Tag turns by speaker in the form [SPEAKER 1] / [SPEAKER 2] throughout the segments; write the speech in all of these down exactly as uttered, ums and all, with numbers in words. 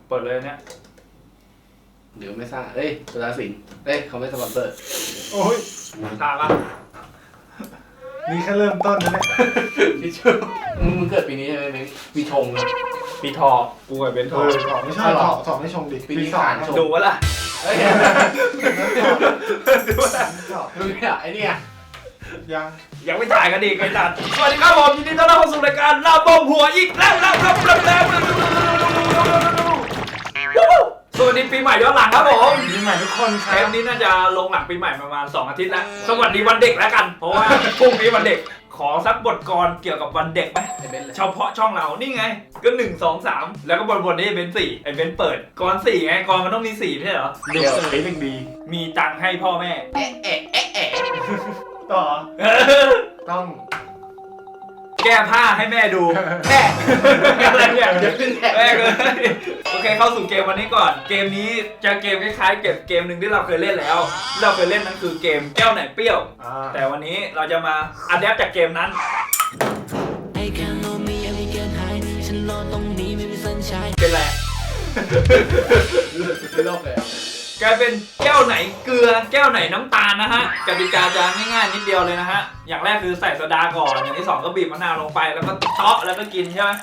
[SPEAKER 1] เปิดเลยเนี่ย
[SPEAKER 2] เดี๋ยวไม่ทราบเอ้ยสุดาสิงห์เอ้ยเขาไม่สปอนเซอร์
[SPEAKER 3] โอ้ย
[SPEAKER 1] ทราบปะ
[SPEAKER 3] นี่แค่เริ่มต้นนะเนี่ย
[SPEAKER 2] พี่ชูมึงเกิดปีนี้ใช่ไหมเม้งปีชงนะ
[SPEAKER 1] ปีทอกูกับเบนท
[SPEAKER 3] เอ
[SPEAKER 1] อ
[SPEAKER 3] อถอดไม่ใช่ถอดถอดไม่ชงดิ
[SPEAKER 2] ปีนี้ขานชง
[SPEAKER 1] ดูวะล่ะ
[SPEAKER 2] เฮ้ย
[SPEAKER 1] ดูวะล่ะ
[SPEAKER 2] ดูเนี่ยไอ้เนี่ย
[SPEAKER 3] ยัง
[SPEAKER 1] ยังไม่ถ่ายกันดีไอ้ตัดสวัสดีครับผมยินดีต้อนรับเข้าสู่รายการลาบอมหัวอีกแล้วแล้วแล้วแล้วแล้วสวัสดีปีใหม่ย้อนหลังครับผม
[SPEAKER 3] ปีใหม่ทุกคนค
[SPEAKER 1] เท
[SPEAKER 3] รับ
[SPEAKER 1] ปนี้น่าจะลงหลังปีใหม่ประมาณสองอาทิตย์แล้วสวัสดีวันเด็กแล้วกันเพราะว่าพรุ่งนี้วันเด็กขอสักบทกลเกี่ยวกับวันเด็กไหม
[SPEAKER 2] ไอ้เบนเลย
[SPEAKER 1] เฉพาะช่องเรานี่ไงก็หนึ่งสองสามแล้วก็บนบนนี้เป็นสี่ไอ้เบนเปิดกรสี่ไงกรมันต้องมีสี่ไม่ใช่เหรอ
[SPEAKER 3] เด็กเอ๋ยเด็กดี
[SPEAKER 1] มีตังค์ให้พ่อแม่
[SPEAKER 2] เอ๊ะเอ๊ะเอ๊ะเอ๊ะ
[SPEAKER 3] ต่อต้อง
[SPEAKER 1] แก้ผ้าให้แม่ดู
[SPEAKER 2] แม่
[SPEAKER 1] อะไรเนี่ย
[SPEAKER 2] เดี๋ยวขึ้นแท็ก
[SPEAKER 1] แม่เลยโอเคเข้าสู่เกมวันนี้ก่อนเกมนี้จะเกมคล้ายๆเก็บเกมหนึ่งที่เราเคยเล่นแล้วเราเคยเล่นนั้นคือเกมแก้วไหนเปรี้ยวแต่วันนี้เราจะมาอัดแอปจากเกมนั้นเป็นไร
[SPEAKER 2] ไม่โลกเลย
[SPEAKER 1] กลายเป็นแก้วไหนเกลือแก้วไหนน้ำตาลนะฮะกติกาจะง่ายๆนิดเดียวเลยนะฮะอย่างแรกคือใส่โซดาก่อนอย่างที่สองก็บีบมะนาวลงไปแล้วก็เทาะแล้วก็กินใช่ไหม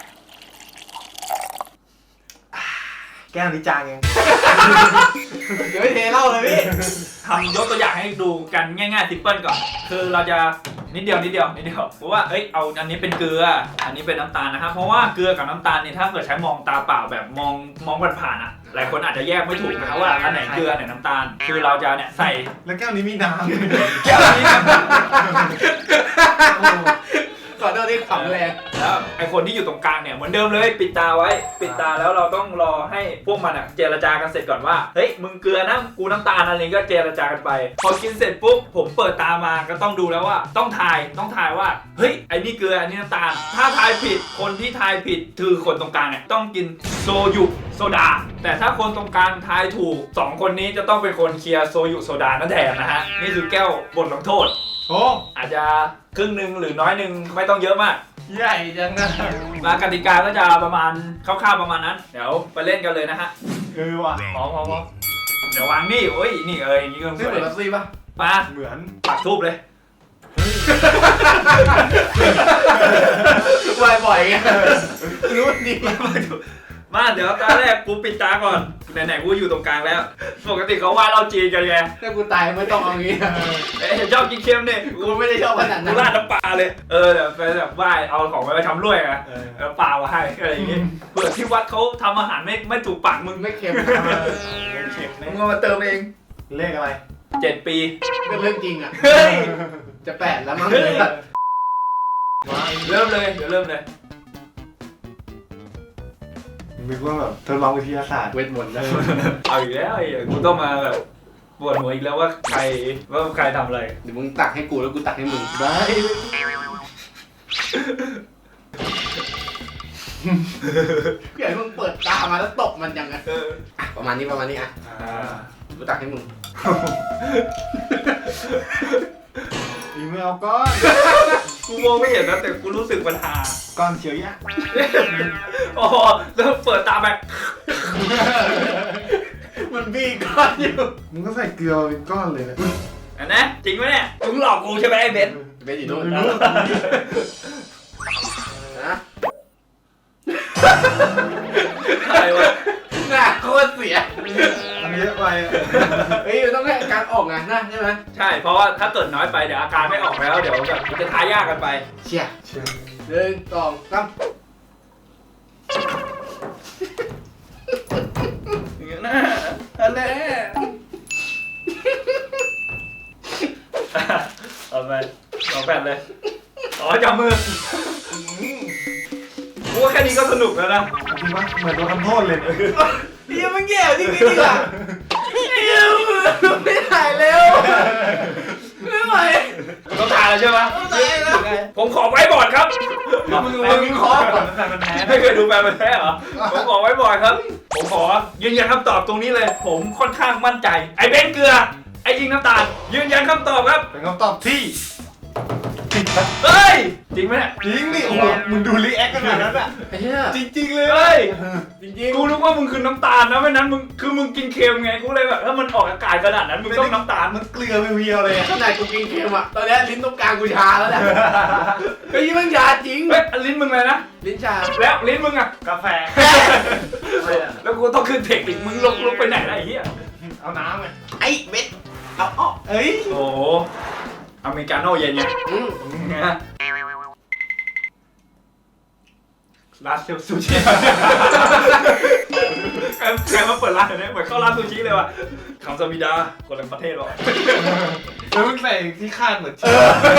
[SPEAKER 3] แก้วนี้จางยัง
[SPEAKER 2] เดี๋ยวไม่เทเหล้าเลยพี่
[SPEAKER 1] ทำยกตัวอย่างให้ดูกันง่ายๆซิมเปิลก่อนคือเราจะนิดเดียวนิดเดียวนิดเดียวเพราะว่าเอ้ยเอาอันนี้เป็นเกลืออันนี้เป็นน้ำตาลนะครับเพราะว่าเกลือกับน้ำตาลเนี่ยถ้าเกิดใช้มองตาเปล่าแบบมองมองผ่านๆอ่ะหลายคนอาจจะแยกไม่ถูกนะครับว่าอันไหนเกลืออันไหนน้ำตาลคือเราจะเนี่ยใส่
[SPEAKER 3] แล้วแก้วนี้มีน้ำ
[SPEAKER 1] แก้วนี้
[SPEAKER 2] ขอโทษที่ขำแรง
[SPEAKER 1] แล้วไอคนที่อยู่ตรงกลางเนี่ยเหมือนเดิมเลยปิดตาไว้ปิดตาแล้วเราต้องรอให้พวกมันอ่ะเจรจากันเสร็จก่อนว่าเฮ้ยมึงเกลือนะกูน้ำตาลอะไรก็เจรจากันไปพอกินเสร็จปุ๊บผมเปิดตามาก็ต้องดูแล้วว่าต้องทายต้องทายว่าเฮ้ยไอ้นี่เกลืออันนี้น้ำตาลถ้าทายผิดคนที่ทายผิดคือคนตรงกลางเนี่ยต้องกินโซยุโซดาแต่ถ้าคนตรงกลางทายถูกสองคนนี้จะต้องเป็นคนเคลียร์โซยุโซดานั่นแทนนะฮะนี่คือแก้วบทลงโทษ
[SPEAKER 3] โอ้
[SPEAKER 1] อาจจะครึ่งหนึ่งหรือน้อยหนึ่งไม่ต้องเยอะมาก
[SPEAKER 2] ใหญ่จังนะ
[SPEAKER 1] มากติกาก็จะประมาณคร่าวๆประมาณนั้นเดี๋ยวไปเล่นกันเลยนะฮะ
[SPEAKER 3] เออว่ะ
[SPEAKER 1] พอพอพอเดี๋ยววางนี่โอ้ยนี่เอ้ยอย่างนี้ก็
[SPEAKER 2] นี่เหมือนลักซี่ป่ะ
[SPEAKER 1] มา
[SPEAKER 3] เหมือน
[SPEAKER 1] ปักทูบเลย
[SPEAKER 2] บ่อยๆไงรู้ดี
[SPEAKER 1] มาเดี๋ยวตาแรกกูปิดตาก่อนไหนๆกูอยู่ตรงกลางแล้วปกติเขาว่าเราจีนกันไง
[SPEAKER 2] ถ้ากูตายไม่ต้องเอางี้
[SPEAKER 1] เอ๊ะชอบกินเค็มเนี่ย
[SPEAKER 2] กูไม่ได้ชอบขนาด
[SPEAKER 1] กู
[SPEAKER 2] นั้น
[SPEAKER 1] ราดน้ำปลาเลยเออเดี๋ยวไปแบบไหว้เอาของไปทำรวยไง
[SPEAKER 3] เออ
[SPEAKER 1] แล้วปลามาให้อะไรอย่างงี้เผื่อที่วัดเขาทำอาหารไม่ไม่ถูกปากมึง
[SPEAKER 2] ไม่เค็ม
[SPEAKER 1] มึงเอามาเติมเอง
[SPEAKER 3] เลขอะไร
[SPEAKER 1] เจ็ดปี
[SPEAKER 2] เป็นเรื่องจริงอ่ะ
[SPEAKER 1] เฮ้ย
[SPEAKER 2] จะแปดแล้วมั้ง
[SPEAKER 1] เฮ้ยเริ่มเลยเดี๋ยวเริ่มเลย
[SPEAKER 3] นึกว่าแบบทดลองวิทยาศาสตร์
[SPEAKER 2] เวทมนต์นะ
[SPEAKER 1] เอาอีกแล้วไอ้กูต้องมาแบบปวดหัวอีกแล้วว่าใครว่าใครทำอะไร
[SPEAKER 2] เดี๋ยวมึงตักให้กูแล้วกูตักให้มึง
[SPEAKER 3] ได้
[SPEAKER 2] พี่ใหญ่มึงเปิดตามาแล้วตบมันยังไง
[SPEAKER 1] เออ
[SPEAKER 2] อ่ะประมาณนี้ประมาณนี้อ่ะ
[SPEAKER 1] อ่า
[SPEAKER 2] กูตักให้มึง
[SPEAKER 3] อีเมลก้อน
[SPEAKER 1] กูมองไม่เห็นนะแต่กูรู้สึกปัญหา
[SPEAKER 3] ก้อนเฉียวยะ
[SPEAKER 1] อ๋อแล้วเปิดตาแบบ
[SPEAKER 2] มันบีก้อนอยู่
[SPEAKER 3] มึงก็ใส่เกลือเป็นก้อนเลยนะ
[SPEAKER 1] อันนะจริงไหมเนี่ยมึงหลอกกูใช่ไหมไอ้เบน
[SPEAKER 2] เบนอยู่นู่น
[SPEAKER 3] รู้
[SPEAKER 2] นะ
[SPEAKER 1] ใครวะ
[SPEAKER 2] หน้าโคตรเสีย
[SPEAKER 3] อันเยอะไปอะ
[SPEAKER 2] เฮ้ยมันต้องให้การออกงานนะใช่ไหม
[SPEAKER 1] ใช่เพราะว่าถ้าเกิดน้อยไปเดี๋ยวอาการไม่ออกแล้วเดี๋ยวแบบมันจะทายากกันไป
[SPEAKER 2] เชี่ย
[SPEAKER 3] เชีย
[SPEAKER 2] หนึ่งสองสาม
[SPEAKER 1] อย่างเงี้ยนะอันแน่เอาไปสองแผ่นเลยอ๋อจับมือกูว่าแค่นี้ก็สนุกแล้วนะ
[SPEAKER 3] จริงปะเหมือนโดนทำโทษเลยเนี่ย
[SPEAKER 2] เฮียมันแย่จริงจริงอ่ะเฮียไม่ถ่ายเร็วไม่ไหว
[SPEAKER 1] ต้องทานแล้วใช่ไหม
[SPEAKER 2] ต้องถ่ายแล้ว
[SPEAKER 1] ผมขอไว้บอร์ดครับ
[SPEAKER 2] มึงมึงวิเคราะห์ก่อน
[SPEAKER 3] แต่มันแพ้
[SPEAKER 1] ไม่เคยดูแฟนมันธุ์แท้เหรอผมขอไว้บอร์ดครับ ผมขอยืนยันคำตอบตรงนี้เลย ผมค่อนข้างมั่นใจไอ้เบนเกลือไอ้ยิงน้ำตาลยืนยันคำตอบครับ
[SPEAKER 3] เป็นคำตอบที่ผิด
[SPEAKER 1] เฮ้ยจริงไหมเนี่ย
[SPEAKER 3] จริงดิโอ้โหมึงดูรีแอคขนาดนั้นอ่ะ
[SPEAKER 2] ไอ้เหี้ย
[SPEAKER 3] จริงๆเลย
[SPEAKER 1] เฮ้ย
[SPEAKER 2] จริง
[SPEAKER 1] กูนึกว่ามึงคือน้ำตาลนะไม่นั้นมึงคือมึงกินเค็มไงกูเลยแบบถ้ามันออกอากาศขนาดนั้นมึงต้องน้ำตาล
[SPEAKER 3] มันเกลือเพียวๆเลยอะ
[SPEAKER 2] ๆขนาดกูกินเค็มอ่ะตอนนี้ลิ้นตรงกลางกูชาแล้วเนี่ยไอ้ยี่มันชาจริง
[SPEAKER 1] เฮ้ยลิ้นมึงเลยนะ
[SPEAKER 2] ลิ้นชา
[SPEAKER 1] แล้วลิ้นมึงอะ
[SPEAKER 3] กาแฟ
[SPEAKER 1] แล้วกูต้องขึ้นเทคอีกมึงลงลงไปไหนล่ะไอ้เหี้ย
[SPEAKER 3] เอาน้ำไง
[SPEAKER 2] ไอ้เม็ดเอาอ้อ
[SPEAKER 3] เอ้ย
[SPEAKER 1] โอ้โหอเมริกาโน่เย็นไง
[SPEAKER 2] อืม
[SPEAKER 1] นะร้านเซลซูชิใครใครมาเปิดร้านเนี่ยเหมือนเข้าร้านซูชิเลยว่ะคำสมิดาคนละประเทศหรอ
[SPEAKER 3] แล้วมึงใส่ที่คาดเหมือนเชื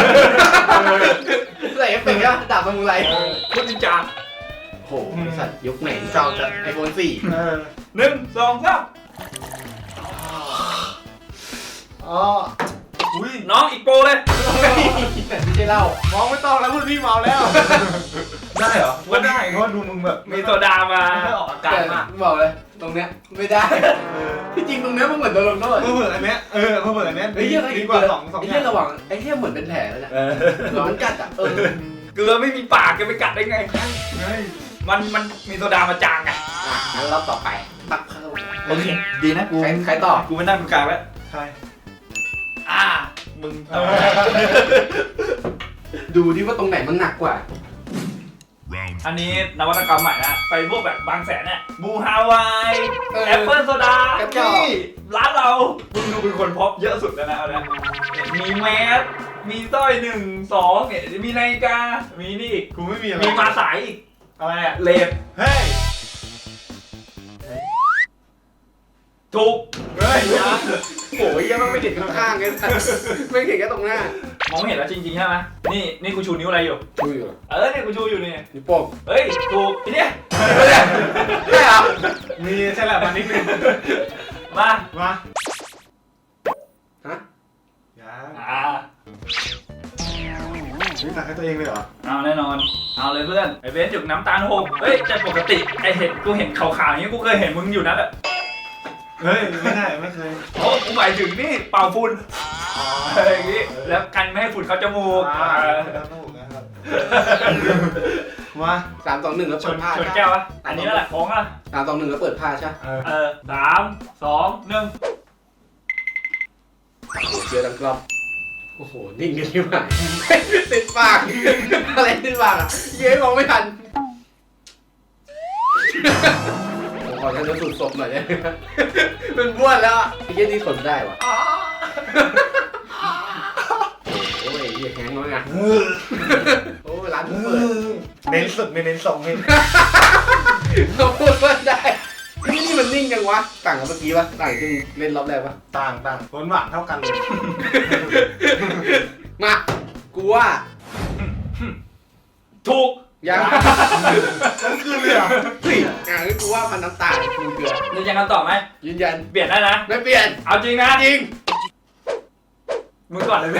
[SPEAKER 2] ใส่เอฟเฟกต์อะดาบมันอะไร
[SPEAKER 1] พุทธิจา
[SPEAKER 2] โอ้โหไอ้สัตว์ยุคไหน
[SPEAKER 3] เก่าจัด
[SPEAKER 2] ไอโฟนสี่
[SPEAKER 3] เออ
[SPEAKER 1] หนึ่งสองสาม
[SPEAKER 3] อ๋ออุ้ย
[SPEAKER 1] น้องอีกโปรเลย
[SPEAKER 2] ไม่ใช่เหล้าม
[SPEAKER 3] องไม่ต้องแล้วพูดพี่เมาแล้ว ได้เหรอ
[SPEAKER 1] ก็ได้
[SPEAKER 3] เพราะว่าดูมึงแบบ
[SPEAKER 1] มีโซดามา
[SPEAKER 3] ไม่ออกอาการมาก
[SPEAKER 2] บอกเลยตรงเนี้ยไม่ได้
[SPEAKER 3] เออ
[SPEAKER 2] ที่จริงตรงเนี้ยมันเหมือนโดนลงโทษ
[SPEAKER 3] เพื่อเผื่ออันเนี้ยเออเพื่อเผื่ออันเนี้ย
[SPEAKER 2] ไอ้เหี้ย
[SPEAKER 3] ดีกว่าสองสอง
[SPEAKER 2] ไอ้
[SPEAKER 3] อ
[SPEAKER 2] เหี้
[SPEAKER 3] ย่าย ง
[SPEAKER 2] ระหว่างไอ้เหี้ยเหมือนเป็นแผลแล้วเนี่ย
[SPEAKER 3] เออ
[SPEAKER 2] ร้อนกัดอ่ะเออ
[SPEAKER 1] เกลือไม่มีปากจะไปกัดได้ไง
[SPEAKER 3] เฮ้ย
[SPEAKER 1] มันมันมีโซดามาจางไง
[SPEAKER 2] อ่ะงั้นรอบต่อไปตักเข้า
[SPEAKER 1] โอเคดีนะกู
[SPEAKER 2] ใครใครต่อ
[SPEAKER 1] กูไม่นั่งตรงกลางแล้ว
[SPEAKER 3] ใช่
[SPEAKER 1] อ่ามึง
[SPEAKER 3] เออ
[SPEAKER 2] ดูดิว่าตรงไหนมันหนักกว่า
[SPEAKER 1] อันนี้นวัตกรรมใหม่นะไปพวกแบบบางแสนเนี่ยบูฮาวาย
[SPEAKER 2] เออ
[SPEAKER 1] แอปเปิลโซดาก
[SPEAKER 2] ระจอก
[SPEAKER 1] นี่ร้านเรามึงดูเป็นคนพบเยอะสุดแล้วนะเอาละมีแมสมีสร้อยหนึ่งสองเนี่ยมีนาฬิกามีนี่อีก
[SPEAKER 3] กูไม่มีอะไร
[SPEAKER 1] มีมาสายอีก
[SPEAKER 3] อะไรอ่ะ
[SPEAKER 1] เลฟ
[SPEAKER 3] เฮ้ย
[SPEAKER 1] ถูก
[SPEAKER 3] เฮ้ยนะ
[SPEAKER 2] โอ้ยยังไม่เห็นข้างๆไงไม่เห็นแค่ตรงหน้าม
[SPEAKER 1] องไม่เห็นแล้วจริงๆใช่ไหมนี่นี่กูชูนิ้วอะไรอยู่
[SPEAKER 2] ดูอยู่
[SPEAKER 1] เออเนี่ยกูชูอยู่นี่
[SPEAKER 2] นิ้วโป้ง
[SPEAKER 1] เฮ้ยถูกทีเนี้ย
[SPEAKER 2] ใช่เหรอ
[SPEAKER 3] มีใช่แหละมานิดนึง
[SPEAKER 1] มา
[SPEAKER 3] มา
[SPEAKER 2] ฮะ
[SPEAKER 3] อย่า
[SPEAKER 1] อ่า
[SPEAKER 3] นี่ตักให้ตัวเองเลยเหรอ
[SPEAKER 1] เอาแน่นอน เอาเลยเพื่อน ไอเบสจุกน้ำตาลหกเฮ้ยแต่ปกติไอเห็นกูเห็นขาวๆอย่างนี้กูเคยเห็นมึงอยู่นะแบบ
[SPEAKER 3] เฮ้ยไม่ได้ไม่เคย
[SPEAKER 1] โอ้กูหมายถึงนี่เป่าฝุ่นอะไรอย่างงี้ แล้วกันไม่ให้ฝุ่นเข้าจมูก
[SPEAKER 3] อ่า
[SPEAKER 1] เออ
[SPEAKER 3] แล้วถูกนะครับมา
[SPEAKER 2] สามสองหนึ่งแล้ว
[SPEAKER 1] ช
[SPEAKER 2] เปิ
[SPEAKER 1] น
[SPEAKER 2] ดผ้า
[SPEAKER 1] ชนแก้วอะอันนี้นั่นแหละของอะ
[SPEAKER 2] สามสองหนึ่งแล้วเปิดผ้าใช่
[SPEAKER 3] เออ
[SPEAKER 1] เออสามสองหนึ่ง
[SPEAKER 2] โอ้โหเจอดังกรอบโอ้โหนิ่งกันที่ไหนติดปากอะไรติดปากอ่ะเย้ยมองไม่ทันผมขอท่านสูตรศพหน่อยเนี่ยเป็นบ้วนแล้วอ่ะไอ้เย้ยนี่ทนได้วะโอ้ยเหี้ยแข็งน้อยไงโอ้ยร้านเพิ่งเปิด
[SPEAKER 3] เน้นสุดไม่เน้นสองเน้น
[SPEAKER 2] เราพูดว่าได้นี่นี่มันนิ่งจังวะต่างกับเมื่อกี้ปะต่างที่มึงเล่นรอบแรกปะ
[SPEAKER 3] ต่างต่างผลหวานเท่ากันเลย
[SPEAKER 2] มากูว่า
[SPEAKER 1] ถูก
[SPEAKER 2] ยัง
[SPEAKER 3] ต้องคืนเลยเหรอ
[SPEAKER 2] เฮ้ยอ่ะงั้นกูว่ามันน้ำตาลกูเกลือ
[SPEAKER 1] ยืนยันคำตอบไหม
[SPEAKER 2] ยืนยัน
[SPEAKER 1] เปลี่ยนได้นะ
[SPEAKER 2] ไม่เปลี่ยน
[SPEAKER 1] เอาจริงนะ
[SPEAKER 2] จริง
[SPEAKER 1] มึงก่อนเลยเว้ย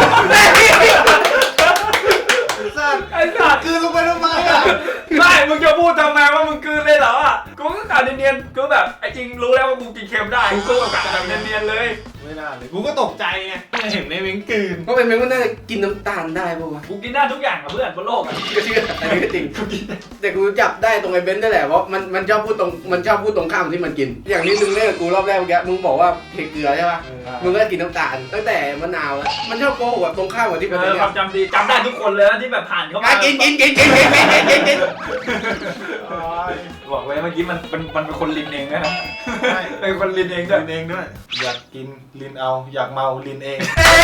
[SPEAKER 3] สัตว์
[SPEAKER 1] ไอ้สัตว์
[SPEAKER 3] คืนลงไปทำไมอ่ะ
[SPEAKER 1] ไม่มึงจะพูดทำไมว่ามึงกลืนเลยเหรออ่ะกูก็กะเนียนๆกูแบบไอ้จริงรู้แล้วว่ากูกินเค็มได้กูก็กะแบบเนียนๆเลย
[SPEAKER 3] ไม่น่าเลยกูก็ตกใจไงไม่เห็นในเม้งกืน
[SPEAKER 2] เพราะเป็นเมงก็น่าจะกินน้ำตาลได้ป่าวะ
[SPEAKER 1] กูกินได้ทุกอย่างกับเพื่อนบนโลกอ่ะ
[SPEAKER 2] ก็เชื่ออันนี้ก็จริงแต่กูจับได้ตรงไอ้เบนซ์ได้แหละเพราะมันมันชอบพูดตรงมันชอบพูดตรงข้ามที่มันกิน อย่างนี้มึงเล่นกับกูรอบแรกเมื่อกี้มึงบอกว่าเทเกลือใช่ปะมึงก็กินน้ำตาลตั้งแต่มะนาวแล้วมันชอบโกหกแบบตรงข้ามกับที่
[SPEAKER 1] เอ
[SPEAKER 2] เป็น
[SPEAKER 1] อ
[SPEAKER 2] เนี่ย
[SPEAKER 1] ความจำดีจำได้ทุกคนเลยนะที่แบบผ่านเข้ามา
[SPEAKER 2] อ่ะกินกินกินกินกินกินกินกินกิน
[SPEAKER 1] บอกไว้เมื่อกี้มันมันมันเป็นคนลินเองนะ
[SPEAKER 3] ใช่
[SPEAKER 1] เป็นคนลินเองด้วย
[SPEAKER 3] ลินเองด้วย อยากกินลินเอาอยากเมาลินเอง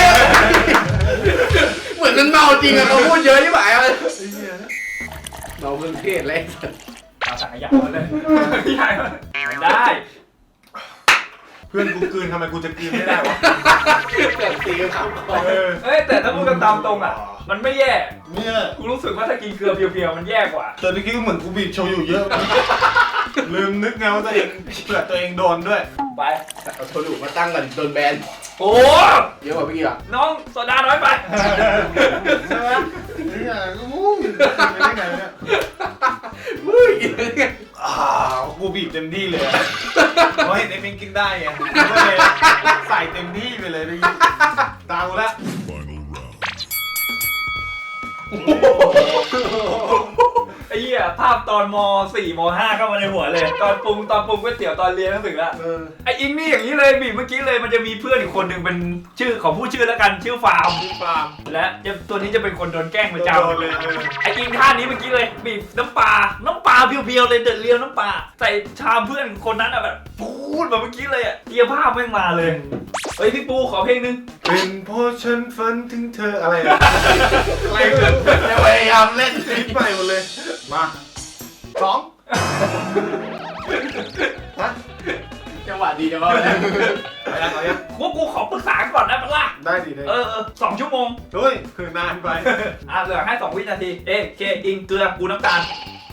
[SPEAKER 2] เหมือนมันเมาจริงอะเขาพูดเยอะที่ไหนอะ
[SPEAKER 3] ไอ้เหี้ย
[SPEAKER 2] เมาเพื่อนเทศเลย
[SPEAKER 1] เอาสังขยามาเลยพี่ใหญ่ได้
[SPEAKER 3] เพื่อนกูกลืนทำไมกูจะกลืนไม่ได้วะ
[SPEAKER 2] เกิดตีกันข้ามคอ
[SPEAKER 3] เออ
[SPEAKER 1] เอ้ยแต่ถ้าพูดกันตามตรงอ่ะ มันไม่แย่
[SPEAKER 3] เนี่ย
[SPEAKER 1] กูรู้สึกว่าถ้ากินเกลือเพียวๆมันแย่กว่า
[SPEAKER 3] แต่เมื่อกี้ก็เหมือนกูบีบโชยุเยอะ ลืมนึกไงว่าตัวเองเผื่อตัวเองโดนด้วย
[SPEAKER 1] ไป
[SPEAKER 2] เอาโทรดูมาตั้งก่อนโดนแบน
[SPEAKER 1] โอ้
[SPEAKER 2] เยอะกว่าเมื่อกี้อ่ะ
[SPEAKER 1] น้องโซดาน้อยไป
[SPEAKER 3] ใช่ไหมเนี่ยอู้ยไม่ได้ไงเนี่ย
[SPEAKER 2] อุ้ยกินได้ไง
[SPEAKER 3] อ้าวกูบีบเต็มที่เลยอะเพราะเห็นไอ้เม้งกินได้ไงกูก็เลยใส่เต็มที่ไปเลยเลยตามกูละ
[SPEAKER 4] Final round.
[SPEAKER 1] ไอ้เหี้ยภาพตอนม สี่ม ห้าเข้ามาในหัวเลย ตอนปรุงตอนปรุงก๋วยเตี๋ยวตอนเรียนหนังสืออะ
[SPEAKER 3] เออ
[SPEAKER 1] ไอ้อิงนี่อย่างนี้เลยบีบเมื่อกี้เลยมันจะมีเพื่อนอีกคนหนึ่งเป็นชื่อของผู้ชื่อแล้วกันชื่อฟาร์ม
[SPEAKER 3] พี่ฟาร์ม
[SPEAKER 1] และจะตัวนี้จะเป็นคนโดนแกล้งประจ
[SPEAKER 3] โดนเลยเออ
[SPEAKER 1] ำไอ้อิงท่านี้เมื่อกี้เลยบีบน้ำปลาน้ำปลาเพียวๆเลยเดือดเรียวน้ำปลาใส่ชามเพื่อนคนนั้นอะแบบพูดแบบเมื่อกี้เลยอะเกียร์ภาพแม่งมาเลยเฮ้ยพี่ปูขอเพลงนึง
[SPEAKER 3] เป็นเพราะฉันฝันถึงเธออะไรนะอะไรเกิด
[SPEAKER 2] จะพยายามเล่น
[SPEAKER 3] คิดใหม่หมดเลยมาสองฮะ
[SPEAKER 2] จังหวะดีจังวะ
[SPEAKER 3] ไปยังเอายัง
[SPEAKER 1] พวกกูขอปรึกษาก่อนได้ปะล่ะ
[SPEAKER 3] ได้ดิได้
[SPEAKER 1] เออเออสองชั่วโมง
[SPEAKER 3] เฮ้ยคือนานไป
[SPEAKER 1] อ่ะเหลือให้สองวินาทีเอ๊ะเคอิงเกลือกูน้ำตาล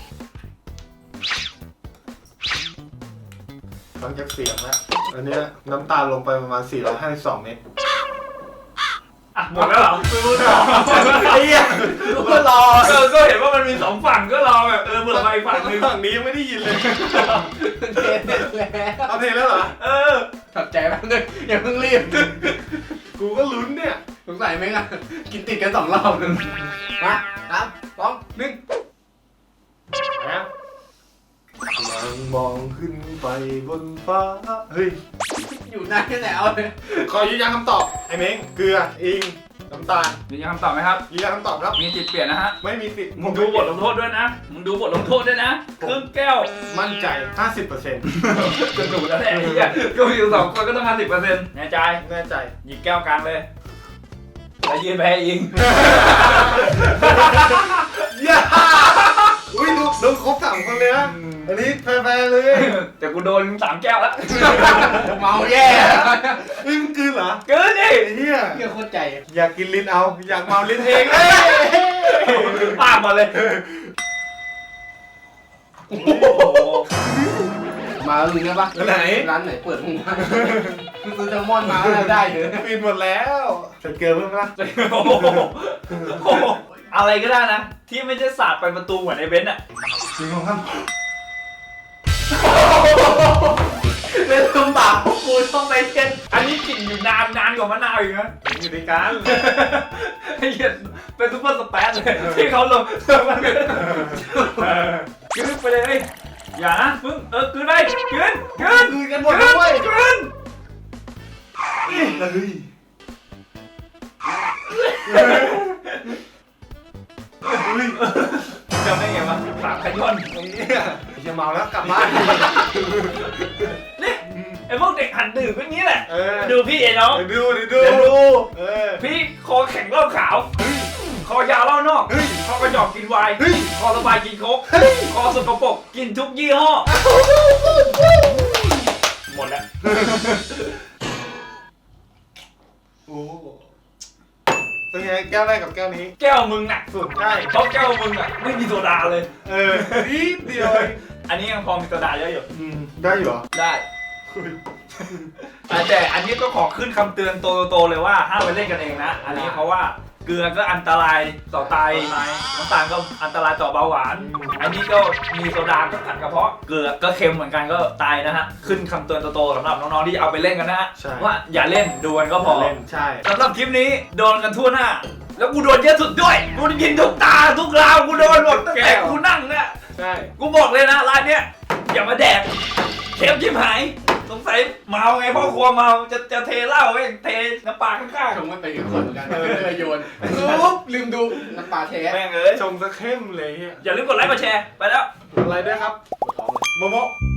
[SPEAKER 3] ฟังจากเสียงแล้วอันเนี้ยน้ำตาลลงไปประมาณสี่ร้อยห้าสิบสองเมตร
[SPEAKER 1] อ่ะหมดแล้วเหรอไม่รู้ต่อ
[SPEAKER 2] ไอ้เหี้ยกูก็รอ
[SPEAKER 1] เออก็เห็นว่ามันมีสองฝั่งก็รอแบบเออเบื่อไปฝั่งนึง
[SPEAKER 3] ฝั่งนี้ยังไม่ได้ยินเลย
[SPEAKER 2] เทเสร็จแล้ว
[SPEAKER 3] เอาเพลงแล้วเหรอ
[SPEAKER 1] เออ
[SPEAKER 2] ขับใจแป๊บนึงอย่าเพิ่งรีบ
[SPEAKER 3] กูก็ลุ้นเนี่ย
[SPEAKER 2] สงสัยไหมอ่ะกินติดกันสองรอบนึงมาครับสองหนึ่ง
[SPEAKER 3] นะกำลังมองขึ้นไปบนฟ้า เฮ้ย
[SPEAKER 2] อยู่นานแค่ไหนเอาเลย
[SPEAKER 3] ขอยืนยันคำตอบ ไอ้เม้งเกลือ อิง น้ำตาล
[SPEAKER 1] มีคำตอบไหมครับ
[SPEAKER 3] ยืนยันคำตอบครับ
[SPEAKER 1] มีจิตเปลี่ยนนะฮะ
[SPEAKER 3] ไม่มีสิทธิ์
[SPEAKER 1] มึงดูบทลงโทษด้วยนะ มึงดูบทลงโทษด้วยนะครึ่งแก้ว
[SPEAKER 3] มั่นใจ ห้าสิบเปอร์เซ็นต์
[SPEAKER 1] จะถูกแล้วแหละไอ้เหี้ยก็มีอยู่สองคนก็ต้องห้าสิบเปอร์เซ็นต์แน่ใจ
[SPEAKER 3] แน่ใจ
[SPEAKER 1] หยิบแก้วกลางเลยแล้วยืนไปให้อิง
[SPEAKER 3] ย่าอุ้ยดูดูครบสามคนเลยนะ อันนี้แฟร์ๆเลย
[SPEAKER 1] แต่กูโดนสามแก้วแล้ว
[SPEAKER 2] เมาแย่
[SPEAKER 3] เฮ้ยมึงกลืนเหรอ
[SPEAKER 1] เกินดิ
[SPEAKER 3] ไอ้เหี้ย
[SPEAKER 2] เหี้ยโคตรใจ
[SPEAKER 3] อยากกินลิ้นเอา อยากเมาลิ้นเองเอ้ย
[SPEAKER 1] ปากมาเลย
[SPEAKER 2] โอ้โหมาแล้วลุงได้ปะ
[SPEAKER 3] ไหน
[SPEAKER 2] ร้านไหนเปิดมึงวะมึงซื้อแซลมอนมาแล้วได้เลย
[SPEAKER 3] ปิดหมดแล้วใส่เกลือเพิ่มปะ
[SPEAKER 1] โอ้โหโอ้โหอะไรก็ได้นะ ที่ไม่ใช่สาดไปประตูเหมือนไอ้เบนซ์อะ
[SPEAKER 3] จริงของท่าน
[SPEAKER 2] เล่นลำบากพวกกูต้องไปเช็ด
[SPEAKER 1] อันนี้กลิ่นอยู่นานนานกว่ามะนาวอีกนะ
[SPEAKER 3] อยู่ในการ
[SPEAKER 1] ไอ้เหี้ยเป็นซุปเปอร์สเปซเลยที่เขาลงมันกลืนไปเลย อย่านะมึงเออกลืนไปกลืนกลืน
[SPEAKER 3] กลืนกันหมดด้วย
[SPEAKER 1] กลืน
[SPEAKER 3] เฮ้ย
[SPEAKER 1] จำได้ไงวะสามขย้อน
[SPEAKER 3] ไอ้เนี่ยจะเมาแล้วกลับบ้าน
[SPEAKER 1] นี่ไอ้พวกเด็กหันดื่มก็งี้แหละ
[SPEAKER 3] เออ
[SPEAKER 1] ดูพี่ไอ้น้อง
[SPEAKER 3] เดี๋ยวดูเดี๋ยวดู
[SPEAKER 1] เดี๋ยวดู
[SPEAKER 3] เออ
[SPEAKER 1] พี่คอแข็งเหล้าขาว คอยาวเหล้านอก
[SPEAKER 3] เฮ้ย
[SPEAKER 1] คอกระจอกกินไวน์
[SPEAKER 3] เฮ้ย
[SPEAKER 1] คอสบายกินโค้กคอสกปรกกินทุกยี่ห้อ หมดแล้ว
[SPEAKER 3] โอ้เป็นไงแก้วแรกกับแก้วนี้
[SPEAKER 1] แก้วมึงหนักสุด
[SPEAKER 3] ใช่
[SPEAKER 1] เพราะแก้วมึงอ่ะไม่มีโซดาเลย
[SPEAKER 3] เออนิดเดียวเอง
[SPEAKER 1] อันนี้ยังพอมีโซดาเยอะอยู่
[SPEAKER 3] อืมได้อยู่เหรอ
[SPEAKER 1] ได้ แต่อันนี้ก็ขอขึ้นคำเตือนโตๆเลยว่าห้ามไปเล่นกันเองนะ อันนี้เพราะว่าเกลือก็อันตรายต่อไตน้ำตาลก็อันตรายต่อเบาหวาน อันนี้ก็มีโซดาก็ขัดกระเพาะ เกลือก็เค็มเหมือนกันก็ตายนะฮะ ขึ้นคำเตือนโตๆสำหรับน้องๆที่จะเอาไปเล่นกันนะฮะ
[SPEAKER 3] ใช่
[SPEAKER 1] ว่าอย่าเล่นดูกันก็พอ
[SPEAKER 3] เล่นใช่
[SPEAKER 1] สำหรับคลิปนี้โดนกันทั่วหน้า แล้วกูโดนเยอะสุดด้วย กูกินทุกตาทุกราวกูโดนหมดตั้งแต่กูนั่งเนี่ย
[SPEAKER 3] ใช่
[SPEAKER 1] กูบอกเลยนะร้านเนี้ยอย่ามาแดกเค็มชิบหายสงสัยเมาไงพ่อครัวเมาจะจะเทเหล้าไว้เทน้ำปลาข้าง
[SPEAKER 2] ชงไม่ไปกับคนเหมือนกันเลยโยนปุ๊บลืมดูน้ำปลาแท้
[SPEAKER 1] ๆแม่งเอ้ย
[SPEAKER 3] ชมซะเข้มเลยเฮีย
[SPEAKER 1] อย่าลืมกดไลค์กดแชร์ไปแล้ว
[SPEAKER 3] อะไรด้วยครับ
[SPEAKER 2] ปวดท้องเลย
[SPEAKER 3] โมโม